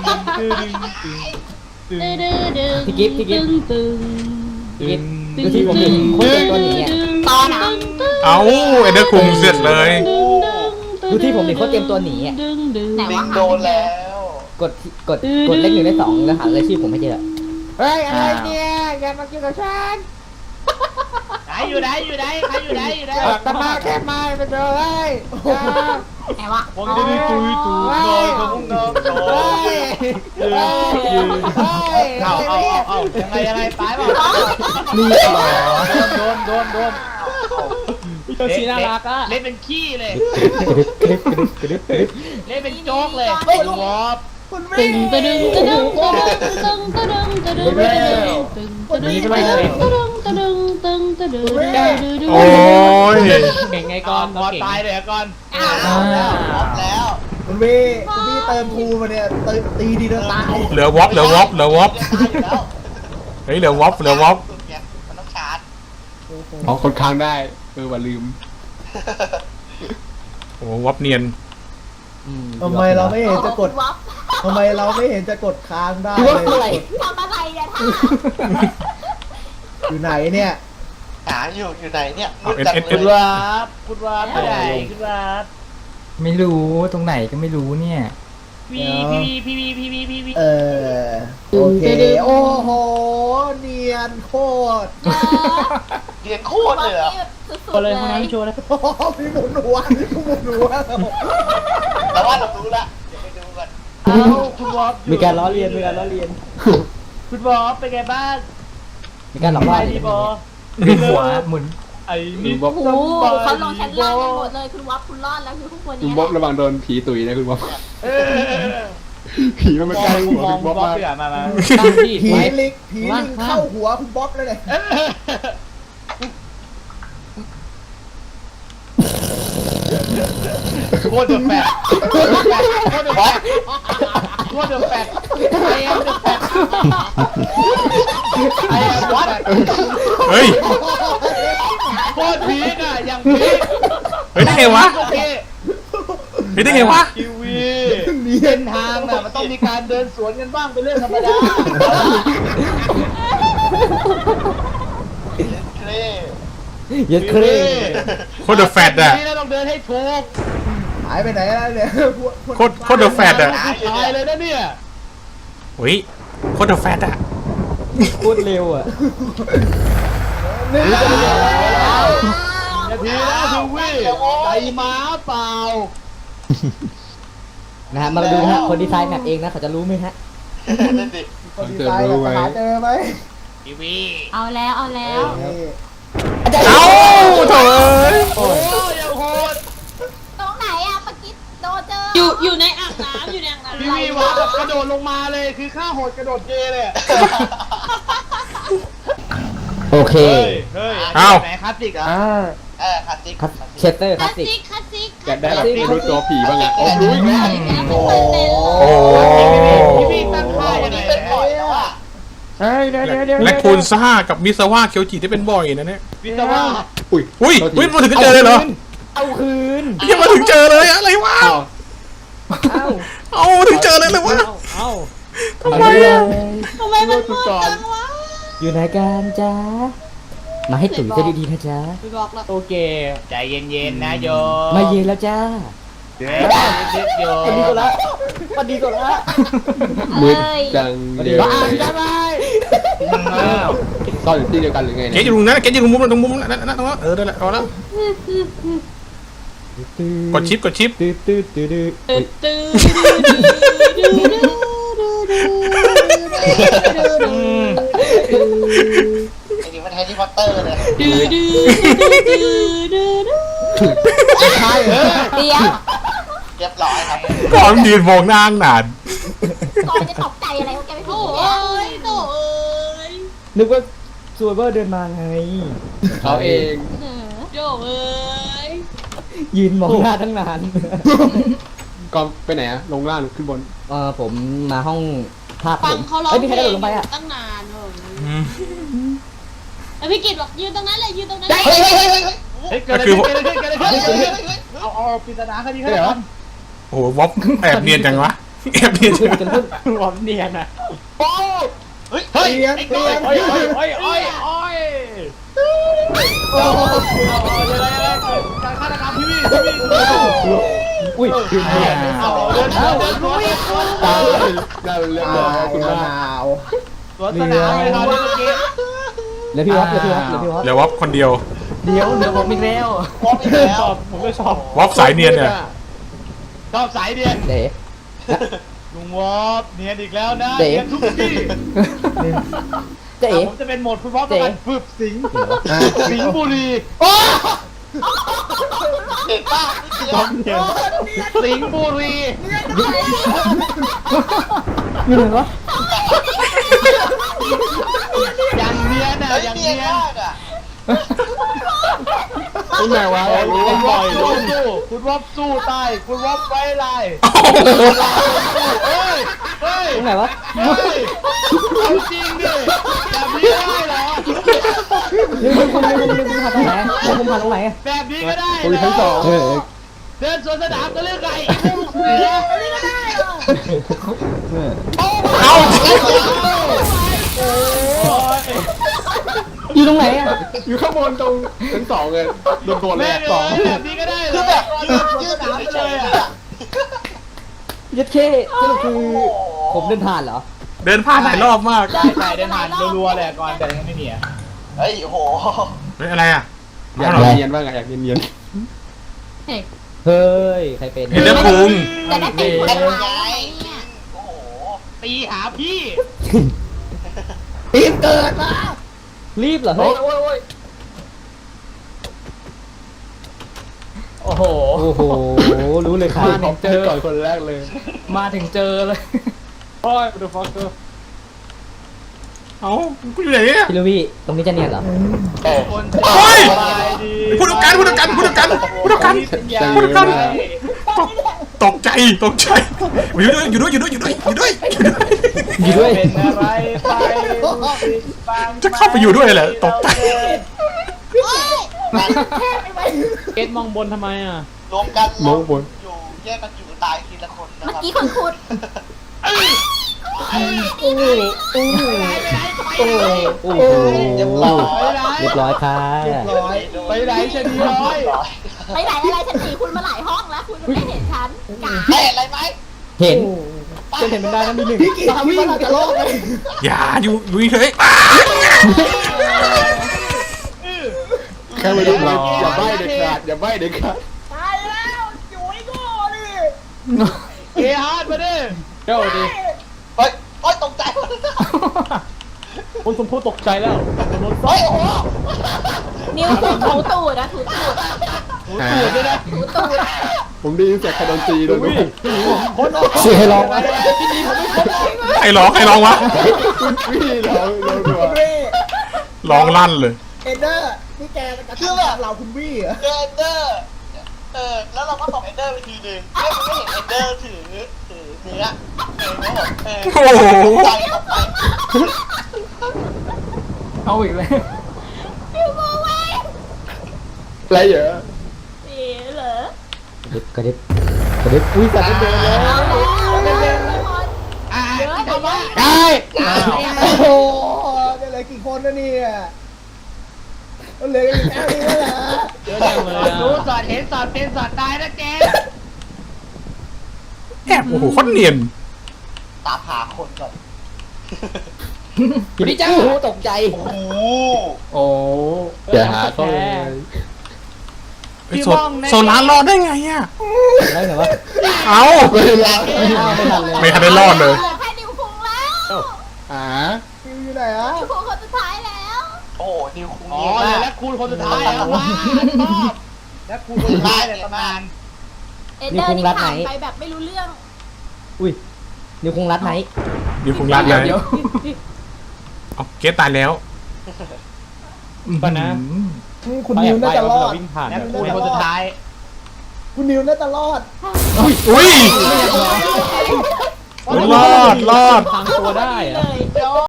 [SPEAKER 3] ดึง
[SPEAKER 2] พี่กิ๊บพี่กิ๊บ
[SPEAKER 3] ตึง
[SPEAKER 2] กิ๊บดูที่ผมเห็นคนเป็นตัวหนีอ่ะ
[SPEAKER 3] ตอนอ่ะ
[SPEAKER 5] เอาเอนเดอร์คุงเสร็จเลย
[SPEAKER 2] ดูที่ผมเห็นเขาเตรียมตัวหนีอ่ะ
[SPEAKER 3] ไหน
[SPEAKER 1] ลิ
[SPEAKER 3] วะ
[SPEAKER 1] งโดนแล้ว
[SPEAKER 2] กดเลข1 ได้ 2แล้วหารายชื่อผมไม่เจอ
[SPEAKER 8] เฮ้ยอะไรเนี่ยอย่ามากินกับฉัน
[SPEAKER 4] ไหนอยู่ไหนใครอยู่ไหน
[SPEAKER 8] ตะมาแค่มาไปเจอเฮ้ย
[SPEAKER 3] ไหนวะ
[SPEAKER 4] ผมจะดูตุยนอนของนอน
[SPEAKER 8] เฮ้ยเฮ้ย
[SPEAKER 4] เอายังไงตายป่ะ
[SPEAKER 2] นี่
[SPEAKER 4] โดน
[SPEAKER 7] พี่โยชิน่ารักอ่ะ
[SPEAKER 4] เล่นเป็นขี้เลย
[SPEAKER 2] กระดึ๊บ
[SPEAKER 4] เล่นเป็นโจ๊กเลยวอบ
[SPEAKER 8] คุณ
[SPEAKER 3] ตึ
[SPEAKER 8] ไม่
[SPEAKER 3] งตึงตึงตึงตึงตึงตึงตึงตึงตึงตึงตึง
[SPEAKER 5] โอ้ย
[SPEAKER 7] เก่งไงก่อน
[SPEAKER 4] พอตายเลยก่อน
[SPEAKER 3] อ้าว
[SPEAKER 1] แล้วพร้อมแล้ว
[SPEAKER 8] คุณพี่เติมทูมาเนี่ยตีดีเดินตาย
[SPEAKER 5] เหลือวอป
[SPEAKER 1] ตายอยู่แล้ว
[SPEAKER 5] เฮ้ยเหลือวอป
[SPEAKER 1] มันต้องชาร์จ
[SPEAKER 6] อ๋อคนค้างได้ว่าลืม
[SPEAKER 5] โอ้วอปเนียน
[SPEAKER 8] ทำไมเราไม่เห็นจะกดทำไมเราไม่เห็นจะกดค้างได้
[SPEAKER 2] ดูว่าอะไร
[SPEAKER 8] เลย
[SPEAKER 3] ทำอะไรเนี่ยท่า
[SPEAKER 8] อยู่ไหนเนี่ย
[SPEAKER 1] หาอยู่ไหนเนี่ย
[SPEAKER 4] คุณวาบไม่ได้คุณวาบ
[SPEAKER 9] ไม่รู้ตรงไหนก็ไม่รู้เนี่ย
[SPEAKER 4] พี
[SPEAKER 8] โอเคโอ้โหเนียนโคตร
[SPEAKER 1] เรียนโคตรเลยเหรอ
[SPEAKER 3] สุด
[SPEAKER 7] โชว์
[SPEAKER 3] ๆ
[SPEAKER 7] เล
[SPEAKER 3] เลย ย
[SPEAKER 7] ห้องน้ำโชว์เลย
[SPEAKER 8] โอ้โหพี่หมุนหัวพี่หมุนหัว
[SPEAKER 1] แต่ว่าเรารู้ละเดี๋ยวไปดูกัน
[SPEAKER 4] คุณวาบ
[SPEAKER 2] มีการล้อเลียน
[SPEAKER 4] คุณวาบเป็นไงบ้าง
[SPEAKER 2] มีการหลอกล่อ
[SPEAKER 4] ดีบอ
[SPEAKER 9] ดึงหัวหมุน
[SPEAKER 4] ไอ้นี่
[SPEAKER 3] โอ้โหเขาลงชั้นล่างกันหมดเลยคุณวับคุณรอดแล้วคือพวกคน
[SPEAKER 6] คุณ
[SPEAKER 3] นี้
[SPEAKER 6] บ๊อบระวังโดนผีตุ๋ยนะคุณบ๊อบ
[SPEAKER 4] เออ
[SPEAKER 6] ผีมันมาใกล้หัวคุณบ๊อบมาก
[SPEAKER 4] เสือมา
[SPEAKER 7] ตั้งที่
[SPEAKER 8] ผี
[SPEAKER 7] ไว้
[SPEAKER 8] ลิงเข้าหัวคุณบ๊อบเลยเนี่ย
[SPEAKER 4] โคตรแปลกโคตรแปลกโคตรแปลกโคตรแปลกไอ้แอมแปลกไอ้แอมวัด
[SPEAKER 5] เฮ้ย
[SPEAKER 4] โคตรพีคอ่ะอย่างพีค
[SPEAKER 5] เฮ้ยได้ไงวะ
[SPEAKER 4] โอเค
[SPEAKER 5] เฮ้ยได้ไงวะ
[SPEAKER 4] ทีวีเส้นทางน่ะมันต้องมีการเดินสวนกันบ้างเป็นเรื่องธรรมดา
[SPEAKER 1] เคร่
[SPEAKER 2] เย็ดเคร
[SPEAKER 5] โคตรเดอะแฟตอะ
[SPEAKER 4] นี่เราต้องเดินให้ถูก
[SPEAKER 8] หายไปไหนแล้วเนี่ย
[SPEAKER 5] โคตรเดอะแฟตอะ
[SPEAKER 4] ตายเลยนะเนี่ย
[SPEAKER 5] เฮ้ยโคตรเดอะแฟตอะ
[SPEAKER 2] โคตรเร็วอ่ะ
[SPEAKER 4] นาทีแล้วทีวีใจม้าเปล่า
[SPEAKER 2] นะฮะมาดูนะฮะคนดีไซน์แมปเองนะเขาจะรู้ไหมฮะ
[SPEAKER 1] นั่นดิ
[SPEAKER 8] คนดีไซน์กับหาเจอไหม
[SPEAKER 4] ทีวี
[SPEAKER 3] เอาแล้วเอาแล้ว
[SPEAKER 8] นี่
[SPEAKER 5] เอ้าโถ่เอ้ย
[SPEAKER 4] โอ้ยยังโหด
[SPEAKER 3] ตรงไหนอะเมื่อกี้โดนเจออยู่ในอ่างน้ำอยู่ในอ่างน้ำ
[SPEAKER 4] ทีวีว่าแบบกระโดดลงมาเลยคือข้าโหดกระโดดเกเลย
[SPEAKER 2] โอเค
[SPEAKER 4] เฮ้ย
[SPEAKER 5] เอ้า
[SPEAKER 4] ไหนคลาสสิกอ่ะ
[SPEAKER 1] คลาสสิก
[SPEAKER 2] เชสเตอร์ค
[SPEAKER 3] ค
[SPEAKER 2] ลา
[SPEAKER 3] ลา
[SPEAKER 2] ส
[SPEAKER 3] ส
[SPEAKER 2] สิก
[SPEAKER 3] สิกคลาสสิก
[SPEAKER 6] อยากได้แบบรู้ตัวผีบ้างอ่ะ
[SPEAKER 1] โอ้
[SPEAKER 6] รู้อีกแล้ว
[SPEAKER 5] โอ้โห
[SPEAKER 4] ทีวีตั้งค่ายังไง
[SPEAKER 1] เป็นบ่อยแล้วอ่ะ
[SPEAKER 9] เฮ้ยเดี๋ยว
[SPEAKER 5] แลคคูนซ่ากับมิซาวะเคียวจิที่เป็นบ่อยนะเนี่ย
[SPEAKER 4] วิศวะ
[SPEAKER 6] อุ้ย
[SPEAKER 5] อุ้ยมาถึงก็เจอเลยเหรอ
[SPEAKER 2] เอาคืน
[SPEAKER 5] ยังมาถึงเจอเลยอะไรวะ
[SPEAKER 6] อ้าว
[SPEAKER 2] เอา
[SPEAKER 5] เอาถึงเจอเลยเลยวะ
[SPEAKER 7] เอ้า
[SPEAKER 5] ทำไมอะ
[SPEAKER 3] ทำไมมันมืดจังวะ
[SPEAKER 2] อยู่ไหนกันจ๊ะมาให้ตุ๋ยจะดีๆนะจ๊ะ
[SPEAKER 3] ไปบอกแล้ว
[SPEAKER 7] โอเค
[SPEAKER 4] ใจเย็นๆนะโย
[SPEAKER 2] มาเย็นแล้วจ้า
[SPEAKER 4] เดี๋ยวนิดๆโย
[SPEAKER 2] สวัสดีก่อนละสวัสดีก่อนละ
[SPEAKER 6] มืดจังเดียว
[SPEAKER 4] บ้าจะไป
[SPEAKER 6] ซ่อนอยู่ที่เดียวกันหรือไง
[SPEAKER 5] เก
[SPEAKER 6] เนี่ย
[SPEAKER 5] ตอยู่ตรงนั้นเกตอยู่ตรงมุมตรงมุมนั่นตรงนั้นได้แล้วพอแล้วกดชิป
[SPEAKER 2] ตื้อตื้อตื้อตื้อ
[SPEAKER 3] ตื่นตื่น
[SPEAKER 1] ไอ้นี่มันแฮร์รี่พอตเตอร์เลย
[SPEAKER 3] ดื้อดื้อดื้อ
[SPEAKER 4] ใช่เออ
[SPEAKER 3] เดี๋ยว
[SPEAKER 1] เรียบร้อยครับ
[SPEAKER 5] ก่อนยืนมองหน้าตั้งนาน
[SPEAKER 3] ก่อนจะตกใจอะไรของแกไม่ถูกเนี่ยโถ่เอ้ย
[SPEAKER 2] นึกว่าซูเปอร์เดินมาไง
[SPEAKER 6] เขาเอง
[SPEAKER 3] โถ่เอ้ย
[SPEAKER 2] ยืนมองหน้าตั้งนาน
[SPEAKER 6] ก็ไปไหนอะลงล่างขึ้นบน
[SPEAKER 2] ผมมาห้องภาคผ
[SPEAKER 3] ฟัง
[SPEAKER 2] ม
[SPEAKER 3] เขาร้อง
[SPEAKER 2] เอ้ยมี
[SPEAKER 3] เพ
[SPEAKER 2] ใคร
[SPEAKER 3] ล
[SPEAKER 2] กระโดดลงไปอ่ะ
[SPEAKER 3] ตั้งนานแล้วพี่กิตบอกยืนตรงนั้นเลยยืนตรงนั้น
[SPEAKER 1] เฮ้ยเฮ้ยเฮ้ยเฮ้ย
[SPEAKER 4] เฮ้ยเกิดอะไรขึ้นเกิดอะไรขึ้นเกิดอะไรขึ้นเอาปริศนาคดีให้เหรอ
[SPEAKER 5] โอ้โหวอปแอบเนียนจังวะแอบเนียนจัง
[SPEAKER 2] กันพึ่ง
[SPEAKER 7] หวอมเนียนอ่ะ
[SPEAKER 1] เฮ้ย
[SPEAKER 4] เฮ้ย
[SPEAKER 8] เตียง
[SPEAKER 4] ไอ้
[SPEAKER 8] เตี
[SPEAKER 4] ก้อย
[SPEAKER 8] ง
[SPEAKER 4] โอ้ยโอ้ยโอ้ยโอ้ยโอ้ยการฆาตกรรมทีวี
[SPEAKER 2] อุ้ย
[SPEAKER 4] เอาเดินสวน
[SPEAKER 6] ตายได้เรียบร้อยคุณ
[SPEAKER 8] มะ
[SPEAKER 6] ป้า
[SPEAKER 8] นาว
[SPEAKER 4] สวนสนามเลยครับเมื่อกี้
[SPEAKER 2] เหลือพี่วัดเหลือพี่วัดเหลือพี่วัด
[SPEAKER 5] เดี๋ยววอปคนเดียว
[SPEAKER 2] เดี๋ยวผมอีกแล้ว
[SPEAKER 1] พร้อมอีกแล้ว
[SPEAKER 7] ผมก็ชอบ
[SPEAKER 5] วอปสายเนียนเนี่ย
[SPEAKER 4] ชอบสายเดียน
[SPEAKER 2] เด๋
[SPEAKER 4] ลุงวอฟเนียนอีกแล้วนะ
[SPEAKER 2] เจ๊
[SPEAKER 4] เนียนทุกที่
[SPEAKER 2] เจ๊
[SPEAKER 4] ผมจะเป็นโหมดคุณวอฟประกันฝึกสิงสิงบุรี
[SPEAKER 1] เห็นป่ะนี่คือ
[SPEAKER 4] สิงบุรี
[SPEAKER 2] อยู่ไหนวะ
[SPEAKER 4] อย่างเนียนอ่ะ
[SPEAKER 1] เฮ้ย
[SPEAKER 4] อย่าง
[SPEAKER 1] เนีย
[SPEAKER 4] เนี
[SPEAKER 1] น
[SPEAKER 4] ยน
[SPEAKER 1] มากอ่ะ
[SPEAKER 6] คุณแม่วะ
[SPEAKER 4] คุณวอฟสู้คุณวอฟสู้ตายคุณวอฟไว้ลายเฮ้ยเฮ้ย
[SPEAKER 2] ตรงไหนวะ
[SPEAKER 4] เฮ้ยเอาจริงดิแบบนี้ได้เหรอ
[SPEAKER 2] ลืมผ่านตรงไหนลืมผ่านตรงไหน
[SPEAKER 4] แบบนี้ก็ได้
[SPEAKER 6] คุยทั้งสอง
[SPEAKER 4] เดินสวนสนามก็เรื่องไก่เสือนี่ก็ได้เหรอ
[SPEAKER 5] เอา
[SPEAKER 2] อยู่ตรงไหนอ่ะ
[SPEAKER 6] อยู่ข้างบนตรงชั้นสองเลยโดดๆเลย
[SPEAKER 4] แม่
[SPEAKER 6] อะ
[SPEAKER 4] ง
[SPEAKER 6] สอง
[SPEAKER 4] แบบนี้ก็ได้เหร
[SPEAKER 1] คือ
[SPEAKER 4] อ
[SPEAKER 1] แบบยื
[SPEAKER 4] ยื
[SPEAKER 1] ด
[SPEAKER 4] นสวน
[SPEAKER 1] ยื
[SPEAKER 4] ส
[SPEAKER 1] ด
[SPEAKER 4] นาม
[SPEAKER 1] เฉ
[SPEAKER 4] เลย
[SPEAKER 1] ยๆ
[SPEAKER 4] อ่ะ
[SPEAKER 1] อ่ะ
[SPEAKER 2] ยัดเข้สรุปคือผมเดินผ่านเหรอ
[SPEAKER 5] เดินผ่านหลายรอบมาก
[SPEAKER 4] ใช่ใช่เดินผ่านรัวๆเลยก่อนแต่ยังไม่มีอ่ะ
[SPEAKER 1] เฮ้ยโอ้โห
[SPEAKER 5] เฮ้ยอะไรอ่ะ
[SPEAKER 6] อยากเนียนบ้างอะอยากเนียน
[SPEAKER 2] เฮ้ยใครเป็น
[SPEAKER 5] เห็นเรื่องพุง
[SPEAKER 3] จะได้ตีคนร้ายเนี่ย
[SPEAKER 1] โอ้โห
[SPEAKER 4] ตีหาพี่
[SPEAKER 8] ตีนเกิดมา
[SPEAKER 2] รีบเหรอเฮ้ย
[SPEAKER 7] โอ้โห
[SPEAKER 2] โอ้โหรู้เลยครับ
[SPEAKER 6] ๆผมเจอก่อนคนแรกเลย
[SPEAKER 9] มาถึงเจอเลย
[SPEAKER 7] โอ้ยดูฟอกเกอร์
[SPEAKER 5] เอ้ากูอยู่ไหนเนี่ย
[SPEAKER 2] พี่ลูวี่ตรงนี้จะเนียนเหรอ
[SPEAKER 4] คน
[SPEAKER 5] เฮ้ย
[SPEAKER 4] สบายดี
[SPEAKER 5] พูดกัน
[SPEAKER 6] ใจเย็นนะ
[SPEAKER 5] ตกใจอยู่ด้วย
[SPEAKER 2] อยู่ด้วย
[SPEAKER 4] เป็นอะไรไป
[SPEAKER 5] จะเข้าไปอยู่ด้วยแหละตกใจ
[SPEAKER 3] เฮ้ย
[SPEAKER 7] เกตมองบนทำไมอ่ะ
[SPEAKER 1] รวมกัน
[SPEAKER 6] มองบน
[SPEAKER 1] อยู่แยกกันอยู่ตายทีละคนนะ
[SPEAKER 3] เมื่อ
[SPEAKER 1] ครับ
[SPEAKER 3] กี้คนพูด
[SPEAKER 2] โอ้โห
[SPEAKER 1] เรียบร้อย
[SPEAKER 2] เรียบร้อยค่ะ
[SPEAKER 4] ไปไหนชะนีน้อย
[SPEAKER 3] ไปไหนอะไรฉันหนีคุณมาหลายห้องแล้ว คุณไม่เห็นฉันกา
[SPEAKER 1] เฮ้ยอะไรไหม
[SPEAKER 2] เห็น
[SPEAKER 7] จะเห็นมันได้นะมีหนึ่ง
[SPEAKER 8] พี่กี่วิ่งจะรอดเลย
[SPEAKER 5] อย่าอยู่เฉย
[SPEAKER 6] แค่ไม่รู้เราอย่าใบ้เด็ดขาดอย่าใบ้เด็ดขาด
[SPEAKER 8] ตายแล้วอยู่ไอ้โง่ดิ
[SPEAKER 4] เกฮาร์ดมาดิ
[SPEAKER 7] เจ้าดิ
[SPEAKER 1] เฮ้ยโอ๊ยตกใจ
[SPEAKER 7] คนสมพูดตกใจแล้วโดน
[SPEAKER 1] เฮ้ยโอ้โห
[SPEAKER 3] นิ้วคุณถูตูดนะถูตูด
[SPEAKER 4] ตูดด้วยนะ
[SPEAKER 3] ถูตูด
[SPEAKER 6] ผมได้ยินเสียงใครโดนตีโดนลูก
[SPEAKER 2] เสียให้ลอง
[SPEAKER 5] ๆใครร้องวะ
[SPEAKER 6] พี่เราดูว่า
[SPEAKER 8] เร่
[SPEAKER 5] ร้องลั่นเลย
[SPEAKER 8] เอ็นเดอร์นี่แกกระทืบเราคุณวี่เหรอ
[SPEAKER 1] เจอเอนเดอร์แล้วเราก็ตบเอนเดอร์ไปทีนึงไม่เห็นเอนเดอร์ถือเนื้อ
[SPEAKER 5] โอ้โห
[SPEAKER 1] ใจเข้าไป
[SPEAKER 9] เอาอีกแล้ว
[SPEAKER 3] นิ้วโมไว้
[SPEAKER 6] อะไรเยอะ
[SPEAKER 3] นี่เหรอก
[SPEAKER 2] ระดิบกระดิบอุ้ยสัตว์เดินเลย
[SPEAKER 3] เอาแล้วเยอะแต่ว่า
[SPEAKER 8] ได้โอ้โหจะเหลือกี่คนนะเนี่ยเหลือแค่นี้แล้วเหรอ
[SPEAKER 7] เยอะจังเลย
[SPEAKER 4] ดู
[SPEAKER 7] อ่ะ
[SPEAKER 4] สอดเห็นสอดเป็นสอดตายนะเจ๊
[SPEAKER 5] แอบโอ้โหโคนเนียน
[SPEAKER 1] ตามหาคนก่อน
[SPEAKER 2] พี่จ้าโอ้โหตกใจ
[SPEAKER 1] โอ้โห
[SPEAKER 6] โอ้อย่าหาเข้าเลย
[SPEAKER 5] โซลารอดได้ไงอ่ะ
[SPEAKER 2] ได้ไงวะ
[SPEAKER 5] เอา
[SPEAKER 6] ไม่รอด
[SPEAKER 2] ไม่ทันเลย
[SPEAKER 5] ไม่ทันได้รอดเลย
[SPEAKER 3] เหลือแค่นิ้วคุงแล้ว
[SPEAKER 8] คิวอยู่ไหนอ่ะ
[SPEAKER 3] นิ้วคุงคนสุดท้ายแล้ว
[SPEAKER 1] โอ้โหนิวคุง
[SPEAKER 4] อ๋อ
[SPEAKER 1] เนียน
[SPEAKER 4] เลย
[SPEAKER 1] มาก
[SPEAKER 4] แล้วคูณคนสุดท้ายแล้วว้าชอบแล้วคูณคนสุดท้ายเลยประมาณ
[SPEAKER 3] เอ็นเดอร์นี่ผ่านไปแบบไม่รู้เรื่อง
[SPEAKER 2] อุ้ยนิ้วคงรัดไหน
[SPEAKER 5] อยู่คงรัดเลย
[SPEAKER 9] เดี๋ยว
[SPEAKER 5] เอาเกตตายแล้ว
[SPEAKER 7] ก่อนนะ
[SPEAKER 8] คุณนิวน่าจะรอด
[SPEAKER 7] วิ่งผ่าน
[SPEAKER 4] แล้วคูณคนสุดท้าย
[SPEAKER 8] คุณนิวน่าจะรอด
[SPEAKER 5] อุ้ยรอด
[SPEAKER 7] ทางตัวได้
[SPEAKER 3] เล
[SPEAKER 7] อะ
[SPEAKER 3] ย